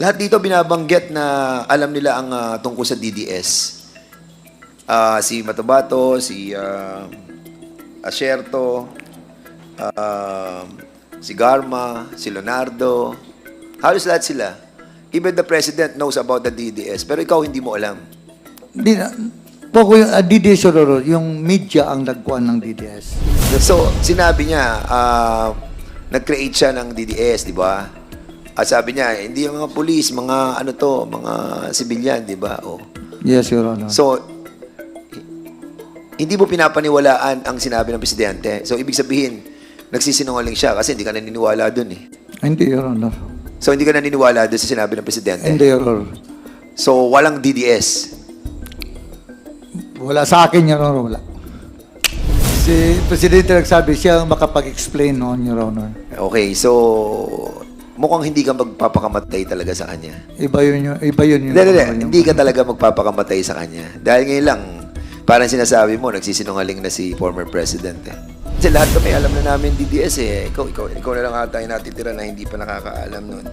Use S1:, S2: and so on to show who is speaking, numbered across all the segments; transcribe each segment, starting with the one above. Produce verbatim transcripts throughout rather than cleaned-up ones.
S1: Lahat dito binabanggit na alam nila ang ah, tungkol sa D D S. Ah, si Matabato, si uh, Asierto, ah, si Garma, si Leonardo. Halos lahat sila. Even the president knows about the D D S. Pero ikaw hindi mo alam.
S2: Di na, po ko yung uh, D D S, Your Honor, yung media ang nagkuhan ng D D S.
S1: So, sinabi niya, ah, nag-create siya ng D D S, di ba? At sabi niya, hindi yung mga police, mga ano to, mga civilian, di ba? Oh.
S2: Yes, Your Honor.
S1: So, hindi mo pinapaniwalaan ang sinabi ng presidente. So, ibig sabihin, nagsisinungaling siya kasi hindi ka naniniwala dun eh.
S2: Hindi, Your Honor.
S1: So, hindi ka naniniwala dun sa sinabi ng presidente.
S2: Hindi, Your Honor.
S1: So, walang D D S.
S2: Wala sa akin, Your Honor, wala. Si Presidente nagsabi siya ang makapag-explain noon, Your Honor.
S1: Okay, so, mukhang hindi ka magpapakamatay talaga sa kanya.
S2: Iba yun yun. Iba yun yun.
S1: Hindi, hindi, hindi ka talaga magpapakamatay sa kanya. Dahil ngayon lang, parang sinasabi mo, nagsisinungaling na si former president eh. Kasi lahat kami alam na namin D D S eh. Ikaw, ikaw, ikaw na lang ata yung natitira na hindi pa nakakaalam nun.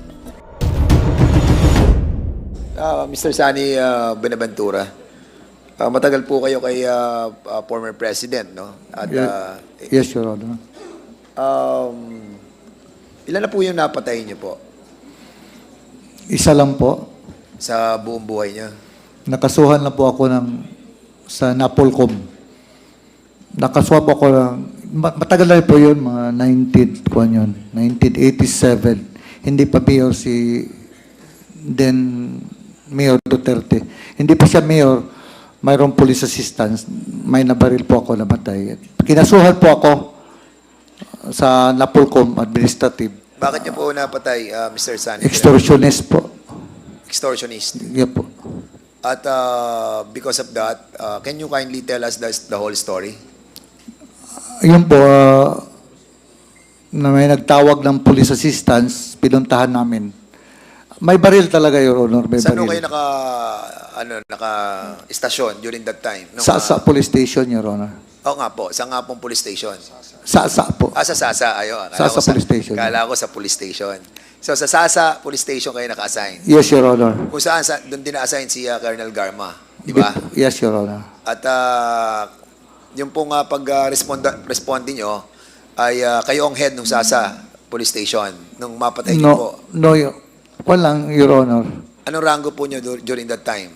S1: Ah, Mister Sani uh, Benaventura, ah, matagal po kayo kay ah, ah, former president, no? At ah,
S2: Yes, Your Honor.
S1: um, ilan na po yung napatay niyo po
S2: Isa lang po.
S1: sa buong buhay niya?
S2: Nakasuhan na po ako ng sa Napolcom. Nakasuhan po ako ng ma- matagal na po yun, mga nineteen, kuwan yun, nineteen eighty-seven. Hindi pa mayor si then Mayor Duterte. Hindi pa siya mayor, mayroong police assistance, may nabaril po ako, namatay. Kinasuhan po ako sa Napolcom Administrative.
S1: Bakit niyo po napatay, ah, Mister Sani?
S2: Extortionist po.
S1: Extortionist.
S2: Yeah po.
S1: At uh, because of that, uh, can you kindly tell us the, the whole story?
S2: Yun po, ah, na may nagtawag ng police assistance, pinuntahan namin. May baril talaga, Your Honor, may
S1: Saan ho
S2: baril.
S1: kayo naka, ano, naka istasyon during that time? Nung,
S2: Sa,
S1: ah,
S2: sa police station, Your Honor.
S1: Oo nga po, sa nga pong police station.
S2: Sa, sa po.
S1: Ah, sa Sasa, ayo.
S2: Sa- sa police station.
S1: Kala ko sa police station. So sa Sasa police station kayo naka-assign.
S2: Yes, Your Honor.
S1: Kung saan, sa, doon din na-assign si uh, Colonel Garma, di ba?
S2: Yes, Your Honor.
S1: At uh, yung pong uh, pag-responde nyo, ay uh, kayo ang head ng Sasa police station nung mapatay niyo po.
S2: No, no, Your- walang, Your Honor.
S1: Anong rango po nyo dur- during that time?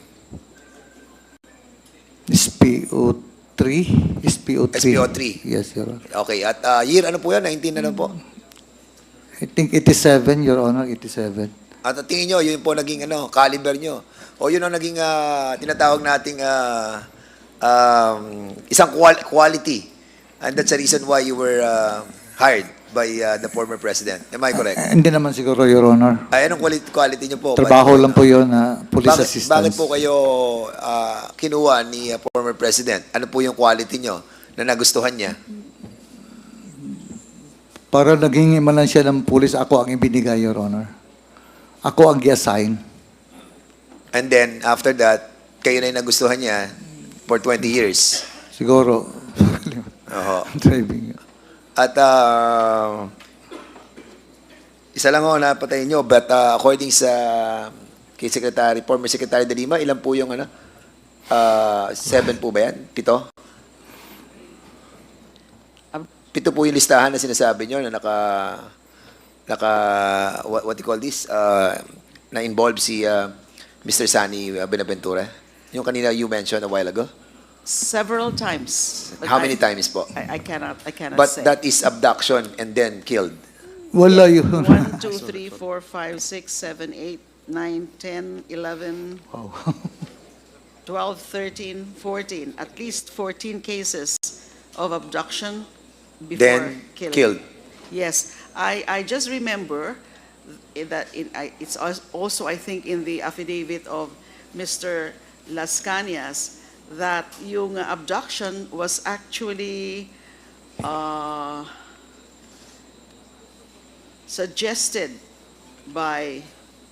S2: S P O three? S P O three.
S1: S P O three.
S2: Yes, Your Honor.
S1: Okay, at uh, year ano po yan? nineteen na lang po.
S2: I think eighty-seven, Your Honor, eighty-seven.
S1: At ang tingin nyo, yun po naging ano, caliber nyo. O yun ang naging ah, tinatawag nating ah, um, isang qual- quality. And that's the reason why you were ah, hired by ah, the former president. Am I correct?
S2: Eh, hindi naman siguro, Your Honor.
S1: Ay, anong quality, quality nyo po?
S2: Trabaho
S1: Bakit-
S2: lang po yun na police
S1: bakit,
S2: assistance.
S1: bakit po kayo ah, kinuha ni ah, former president? Ano po yung quality nyo na nagustuhan niya?
S2: Para naging imanan siya ng pulis, ako ang ibinigay, Your Honor. Ako ang i-assign.
S1: And then, after that, kayo na yung nagustuhan niya for twenty years.
S2: Siguro.
S1: Oho.
S2: Driving.
S1: At uh, isa lang ako napatay nyo, but uh, according sa kay Secretary, former Secretary de Lima, ilan po yung ano? Uh, seven po ba yan? Pito? Pito po yung listahan na sinasabi nyo na naka, naka what, what you call this? Uh, na involve si uh, Mister Sani Benaventura. Yung kanina you mentioned a while ago.
S3: Several times. but
S1: How
S3: I-
S1: many times po?
S3: I, I cannot, I cannot
S1: But
S3: say.
S1: that is abduction and then killed.
S2: Wala yun.
S3: One, two, three, four, five, six, seven, eight, nine, ten, eleven,
S2: Wow.
S3: twelve, thirteen, fourteen. At least fourteen cases of abduction before
S1: Then
S3: killing.
S1: killed.
S3: Yes, I, I just remember that in, I, it's als- also, I think, in the affidavit of Mister Las Cañas that yung abduction was actually uh, suggested by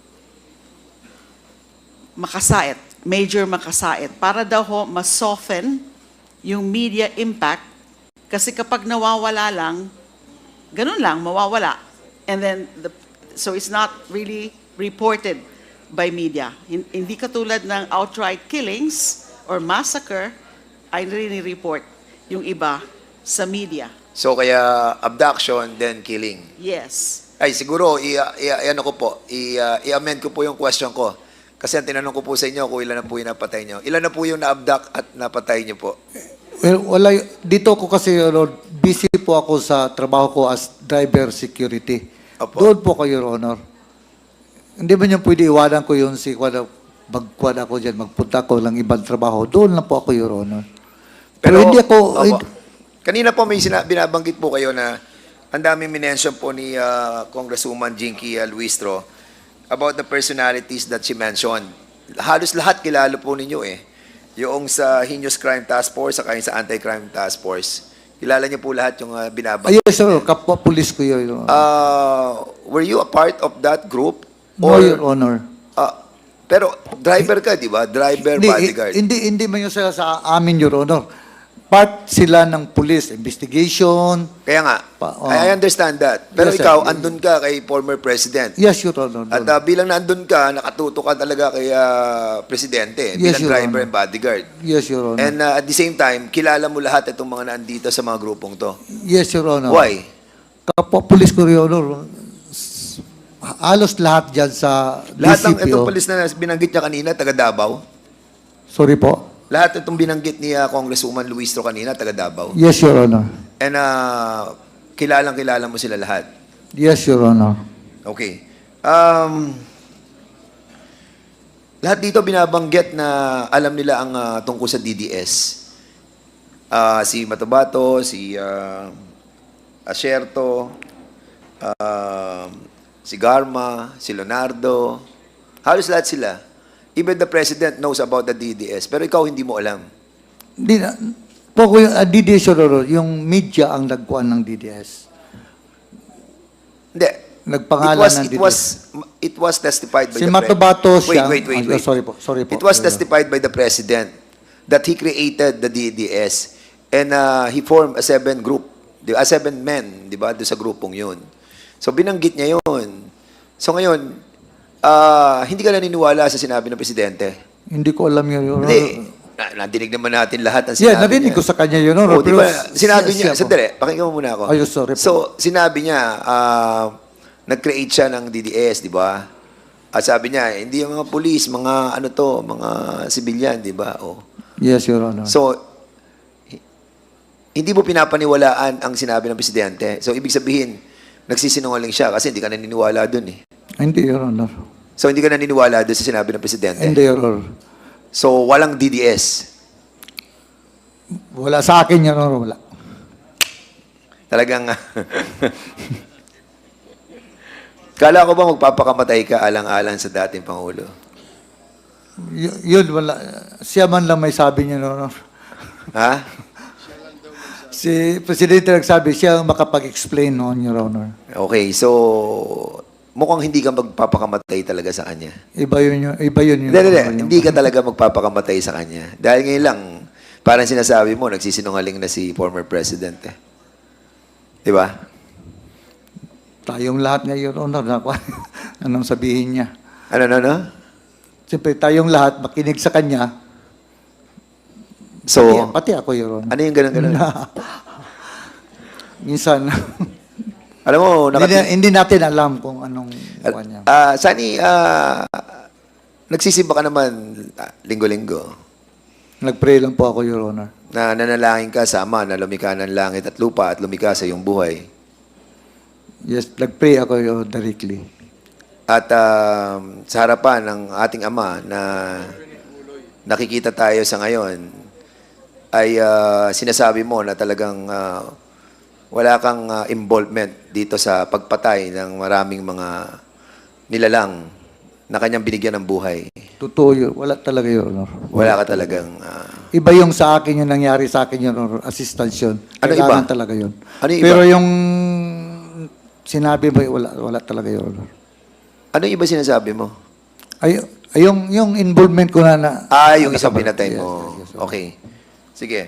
S3: Makasait, Major Makasait, para daw ho ma-soften yung media impact kasi kapag nawawala lang, ganun lang, mawawala. And then, the, so it's not really reported by media. Hin- Hindi katulad ng outright killings or massacre ay rini-report yung iba sa media.
S1: So kaya abduction, then killing.
S3: Yes.
S1: Ay, siguro, i, i, i- ano ko po, i, uh, i-amend ko po yung question ko. Kasi ang tinanong ko po sa inyo kung ilan na po yung napatay nyo. Ilan na po yung na-abduct at napatay nyo po?
S2: Well, wala, y- dito ko kasi, Your Honor, busy po ako sa trabaho ko as driver security.
S1: Opo.
S2: Doon po kayo, Your Honor. Hindi ba niyo pwede iwanan ko yun si Kwada, magkwad ako dyan, magpunta ko lang ibang trabaho. Doon lang po ako, Your Honor. Pero, hindi ako,
S1: opo.
S2: hindi-
S1: Kanina po may sina, binabanggit po kayo na ang daming minention po ni uh, Congresswoman Jinky uh, Luistro about the personalities that she mentioned. Halos lahat kilala po ninyo eh. Yung sa Heinous Crime Task Force, saka yung sa Anti-Crime Task Force. Kilala niyo po lahat yung uh, binabanggit.
S2: ayun, sir, kapwa pulis ko yun, Your Honor.
S1: Uh, were you a part of that group?
S2: No, Your Honor.
S1: Uh, pero driver ka, di ba? Driver,
S2: Hindi,
S1: bodyguard.
S2: hindi, hindi man yun sila sa amin, Your Honor. Part sila ng police investigation.
S1: Kaya nga,
S2: Pa- oh.
S1: I understand that. Pero
S2: Yes, sir.
S1: ikaw, andun ka kay former president.
S2: Yes, Your Honor.
S1: At uh, bilang nandun ka, nakatuto ka talaga kay uh, presidente,
S2: Yes,
S1: bilang
S2: Your
S1: driver
S2: Honor.
S1: and bodyguard.
S2: Yes, Your Honor.
S1: And uh, at the same time, kilala mo lahat itong mga nandito sa mga grupong to.
S2: Yes, Your Honor.
S1: Why?
S2: Kapwa pulis ko, Your Honor. S- Halos lahat dyan sa
S1: Lahat ng
S2: D C P O.
S1: itong polis na binanggit niya kanina, taga Davao.
S2: Sorry po.
S1: Lahat itong binanggit ni uh, Congresswoman Luistro kanina, taga Davao.
S2: Yes, Your Honor.
S1: And uh, kilalang kilala mo sila lahat.
S2: Yes, Your Honor.
S1: Okay. Um, lahat dito binabanggit na alam nila ang uh, tungkol sa D D S. Uh, si Matabato, si uh, Asierto, uh, si Garma, si Leonardo. Halos lahat sila. Even the president knows about the D D S. Pero ikaw hindi mo alam.
S2: Di na, po ko yung uh, D D S, Your Honor, yung media ang nagkuhan ng D D S.
S1: Hindi.
S2: Nagpangalan
S1: it was,
S2: ng
S1: it
S2: D D S.
S1: was, it was testified by
S2: Si
S1: the
S2: Matabato
S1: pre-
S2: siya.
S1: Wait, wait, wait,
S2: Ah,
S1: wait.
S2: sorry po, sorry po.
S1: It was
S2: Your Honor.
S1: testified by the president that he created the D D S and uh, he formed a seven group, di- a seven men, di ba, doon sa grupong yun. So binanggit niya yun. So ngayon, ah, hindi ka naniniwala sa sinabi ng presidente?
S2: Hindi ko alam yun, Your Honor.
S1: Hindi. Na, nadinig naman natin lahat ng
S2: Yeah,
S1: sinabi
S2: narinig
S1: niya.
S2: ko sa kanya, Your Honor.
S1: Oh, di
S2: pero
S1: ba, sinabi
S2: siya-
S1: niya,
S2: siya po.
S1: sandali, pakinggan mo muna ako.
S2: Ay, sorry po.
S1: So, sinabi niya, ah, nag-create siya ng D D S, di ba? At sabi niya, hindi yung mga police, mga ano to, mga civilian, di ba? Oh.
S2: Yes, Your Honor.
S1: So, hi- hindi mo pinapaniwalaan ang sinabi ng presidente. So, ibig sabihin, nagsisinungaling siya kasi hindi ka naniniwala dun eh.
S2: Hindi, Your Honor.
S1: So, hindi ka naniniwala dun sa sinabi ng presidente.
S2: Hindi, Your Honor.
S1: So, walang D D S.
S2: Wala sa akin, Your Honor. Wala.
S1: Talagang, kala ko ba magpapakamatay ka alang-alang sa dating Pangulo?
S2: Y- yun, wala. Siya man lang may sabi niya, Your Honor.
S1: Ha?
S2: Si Presidente nagsabi, siya ang makapag-explain noon, Your Honor.
S1: Okay, so mukhang hindi ka magpapakamatay talaga sa kanya.
S2: Iba yun yun. Iba yun yun.
S1: Hindi, hindi,
S2: Your Honor.
S1: hindi ka talaga magpapakamatay sa kanya. Dahil ngayon lang, parang sinasabi mo, nagsisinungaling na si former president eh. Di ba?
S2: Tayong lahat nga, Your Honor. Naku, anong sabihin niya?
S1: Ano, ano, ano?
S2: Siyempre, tayong lahat makinig sa kanya.
S1: So,
S2: Pati, pati ako, Your Honor.
S1: ano yung ganun-ganun?
S2: Minsan,
S1: Alam mo,
S2: hindi,
S1: nakati-
S2: hindi natin alam kung anong buwan niya.
S1: Ah, Sani, ah, nagsisimba ka naman ah, linggo-linggo.
S2: Nag-pray lang po ako, Your Honor.
S1: Na nanalangin ka sa Ama na lumikha ng langit at lupa at lumikha sa iyong buhay.
S2: Yes, nag-pray ako, Your Honor, directly.
S1: At ah, sa harapan ng ating Ama na nakikita tayo sa ngayon, ay ah, sinasabi mo na talagang ah, wala kang ah, involvement dito sa pagpatay ng maraming mga nilalang na kanyang binigyan ng buhay.
S2: Totoo yun. Wala talaga, Your Honor.
S1: Wala ka talagang... ah,
S2: Iba yung sa akin, yung nangyari sa akin, Your Honor, assistance yun.
S1: Ano
S2: Kailangan
S1: iba?
S2: talaga yun.
S1: Ano iba?
S2: Pero yung sinabi ba, wala, wala talaga, Your Honor.
S1: ano yung iba sinasabi mo?
S2: Ay, ay yung, yung involvement ko na na...
S1: Ah, yung isang
S2: nakabal-
S1: pinatay
S2: Yes,
S1: mo.
S2: yes, yes, Your Honor.
S1: Okay. Sige.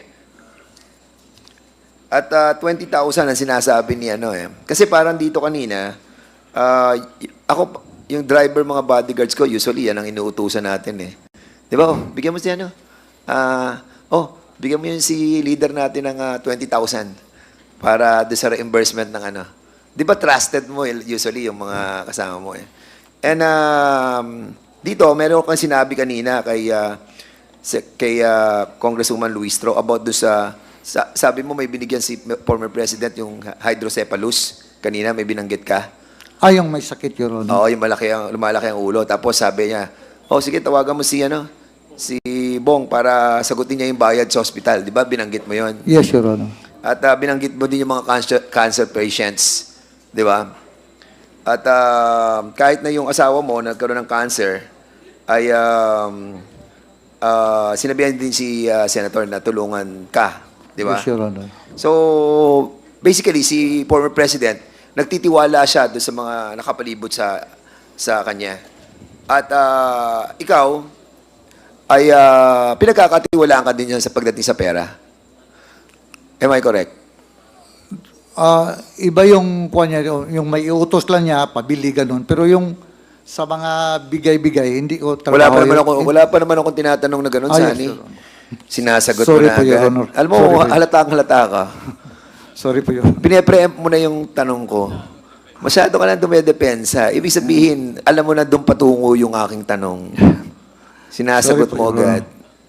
S1: At ah, twenty thousand ang sinasabi ni ano eh. Kasi parang dito kanina, ah, y- ako, yung driver, mga bodyguards ko, usually yan ang inuutusan natin eh. Di ba? Oh, bigyan mo si ano? Ah, oh, bigyan mo yun si leader natin ng ah, twenty thousand para doon sa reimbursement ng ano. Di ba trusted mo eh, usually yung mga kasama mo eh. And um, dito, meron kang sinabi kanina kay, ah, si- kay ah, Congresswoman Luistro about doon sa, sa, sabi mo may binigyan si former president yung hydrocephalus. Kanina may binanggit ka.
S2: Ah, yung may sakit, Your Honor.
S1: Oo, yung malaki ang, lumalaki ang ulo. Tapos sabi niya, oh sige, tawagan mo si, ano, si Bong para sagutin niya yung bayad sa hospital. Di ba? Binanggit mo yon.
S2: Yes, Your Honor.
S1: At ah, binanggit mo din yung mga cancer, cancer patients. Di ba? At ah, kahit na yung asawa mo nagkaroon ng cancer, ay um, ah, sinabihan din si ah, Senator na tulungan ka. Di ba?
S2: Yes, Your Honor.
S1: So, basically, si former president, nagtitiwala siya doon sa mga nakapalibot sa sa kanya. At ah, ikaw ay ah, pinagkakatiwalaan ka din niya sa pagdating sa pera. Am I correct?
S2: Ah, iba yung kuha niya, yung may iutos lang niya, pabili ganun. Pero yung sa mga bigay-bigay, hindi ko
S1: Wala
S2: trabaho
S1: pa naman
S2: yun.
S1: ako, wala pa naman akong tinatanong na gano'n,
S2: Ah, yes,
S1: Sani.
S2: Your Honor.
S1: Sinasagot
S2: Sorry
S1: mo na
S2: po, Your
S1: agad.
S2: Honor.
S1: Alam mo,
S2: Sorry po.
S1: halatang halata ka.
S2: Sorry po, Your Honor.
S1: Pine-preempt mo na yung tanong ko. Masyado ka na dumedepensa. Ibig sabihin, alam mo na doon patungo yung aking tanong. Sinasagot
S2: Sorry po,
S1: mo
S2: Your
S1: agad.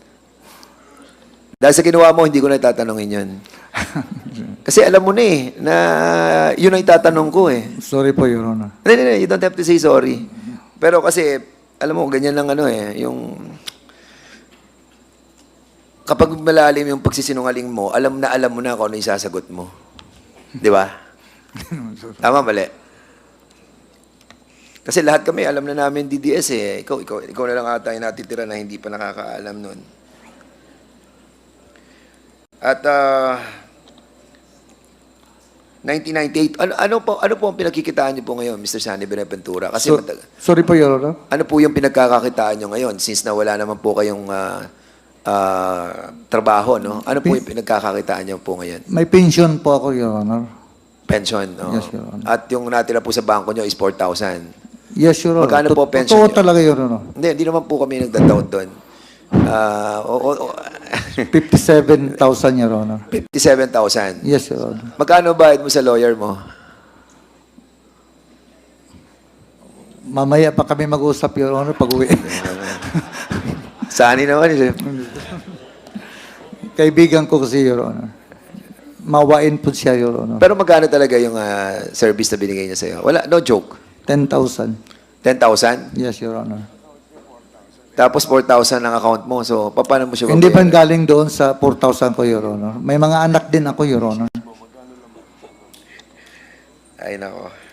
S1: Dahil sa ginawa mo, hindi ko na itatanongin yun. Kasi alam mo na eh, na yun ang itatanong ko eh.
S2: Sorry po, Your Honor.
S1: Hindi, hindi, you don't have to say sorry. Pero kasi, alam mo, ganyan lang ano eh, yung... Kapag malalim yung pagsisinungaling mo, alam na alam mo na kung ano yung sasagot mo. Di ba? Tama, mali. Kasi lahat kami, alam na namin D D S eh. Ikaw, ikaw, ikaw na lang ata yung natitira na hindi pa nakakaalam nun. At, ah... nineteen ninety-eight, ano, ano, po, ano po ang pinagkikitaan niyo po ngayon, Mister Sani Benaventura? Kasi
S2: So-
S1: matag-
S2: sorry po, Your Honor.
S1: ano po yung pinagkakakitaan niyo ngayon since na wala naman po kayong ah, ah, trabaho, no? Ano po yung pinagkakakitaan niyo po ngayon?
S2: May pension po ako, Your Honor.
S1: Pension, no?
S2: Yes, Your Honor.
S1: At yung natira po sa bangko niyo is four thousand.
S2: Yes, Your Honor.
S1: Magkano po
S2: Tot-
S1: pension
S2: Totoo
S1: niyo?
S2: talaga, Your Honor.
S1: Hindi, hindi naman po kami nagda-doubt doon. Ah, o, o, o,
S2: fifty-seven thousand, Your Honor.
S1: fifty-seven thousand.
S2: Yes, Your Honor.
S1: Magkano bayad mo sa lawyer mo?
S2: Mamaya pa kami mag-usap, Your Honor, pag-uwi.
S1: Sani naman eh.
S2: Kaibigan ko kasi, Your Honor. Mawain po siya, Your Honor.
S1: Pero magkano talaga yung ah, service na binigay niya sa'yo? Wala, no joke.
S2: ten thousand.
S1: ten thousand?
S2: Yes, Your Honor.
S1: Tapos four thousand ang account mo. So, pa- paano mo siya
S2: Hindi ba
S1: babayaran?
S2: galing doon sa four thousand ko, Your Honor? May mga anak din ako, Your Honor.
S1: Ay, nako.